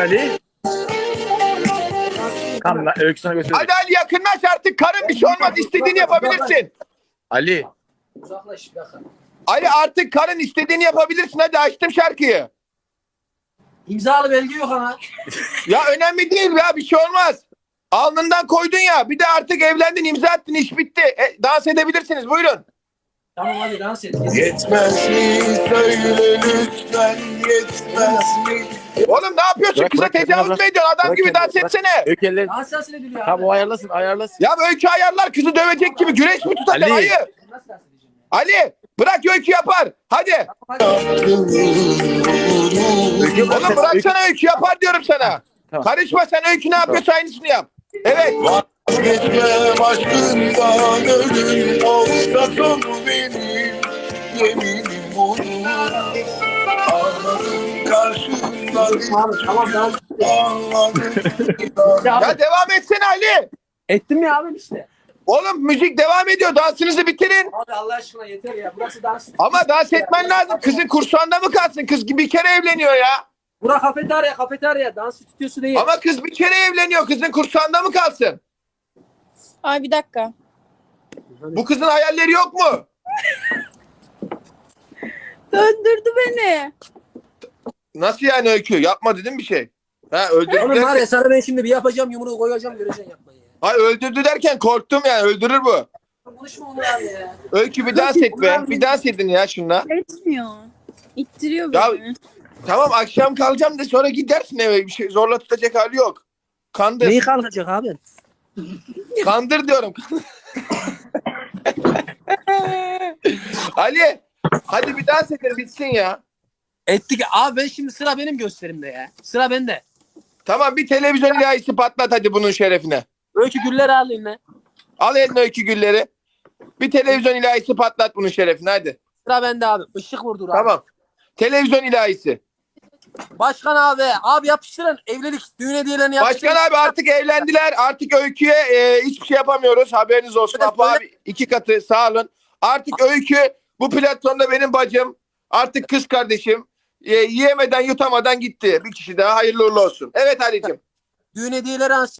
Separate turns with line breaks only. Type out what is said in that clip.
Ali. Tamam lan Öykü sana göstereyim.
Hadi Ali yakınlaş artık. Karın bir şey olmaz. İstediğini yapabilirsin.
Ali.
Uzaklaş bir dakika.
Ali artık karın istediğini yapabilirsin. Hadi açtım şarkıyı.
İmzalı belge yok ama.
Ya önemli değil ya, bir şey olmaz. Alnından koydun ya. Bir de artık evlendin, imza attın, iş bitti. Dans edebilirsiniz, buyurun.
Tamam hadi dans et.
Yetmez mi söyle lütfen, yetmez mi?
Oğlum ne yapıyorsun?
Bırak,
Kıza
bırak,
tecavüz
bırak.
mü ediyorsun? Adam
Bırak
gibi
kendini,
dans
bırak.
etsene.
Öykü elleri.
Dans sesini biliyor
Tamam o ayarlasın.
Ya Öykü ayarlar, kızı dövecek gibi güreş mi tutacak?
Ali.
Hayır.
Nasıl dans edeceğim ya?
Ali bırak, Öykü yapar. Hadi.
Öykü
Oğlum bıraksana, Öykü yapar diyorum sana.
Tamam.
Karışma sen, Öykü ne yapıyorsa aynısını yap. Evet.
Vazgeçmem aşkından, ölüm olsa sonu benim. Yeminim bunu. Ağladım karşımda,
Tamam dans et.
ağladım.
Ya devam etsene Ali.
Ettim ya abi işte.
Oğlum müzik devam ediyor. Dansınızı bitirin.
Abi Allah aşkına yeter ya. Burası dans.
Ama dans etmen lazım. Kızın kursağında mı kalsın? Kız bir kere evleniyor ya.
Bura kafeterya. Dans stüdyosu değil.
Ama kız bir kere evleniyor. Kızın kursağında mı kalsın?
Ay bir dakika.
Bu kızın hayalleri yok mu?
Döndürdü beni.
Nasıl yani Öykü? Yapma dedim bir şey. Ha öldürdü
Oğlum var
derken,
ya sana ben şimdi bir yapacağım yumruğu koyacağım göreceksin yapmayı ya.
Ay öldürdü derken korktum yani. Öldürür bu.
Konuşma onu abi ya.
Öykü bir dans et be. Bir dans edin ya şunla.
Etmiyor. İttiriyor
Ya-
beni.
Tamam akşam kalacağım de sonra gidersin eve. Bir şey zorla tutacak hali yok. Kandır.
Neyi kalkacak abi?
Kandır diyorum. Ali. Hadi bir dans edin bitsin ya.
Ettik. Abi ben şimdi sıra benim gösterimde ya. Sıra bende.
Tamam bir televizyon ilahisi patlat hadi bunun şerefine.
Öykü güller al eline.
Al eline Öykü gülleri. Bir televizyon ilahisi patlat bunun şerefine hadi.
Sıra bende abi. Işık vurdur abi.
Tamam. Televizyon ilahisi.
Başkan abi. Abi yapıştırın. Evlilik düğün hediyelerini yapıştırın.
Başkan abi artık evlendiler. Artık Öykü'ye hiçbir şey yapamıyoruz. Haberiniz olsun.
Evet,
Apo abi 2 katı sağ olun. Artık Öykü bu platformda benim bacım. Artık kız kardeşim. Yiyemeden yutamadan gitti. Bir kişi daha hayırlı uğurlu olsun. Evet Ali'cim.
Düğün hediyeleri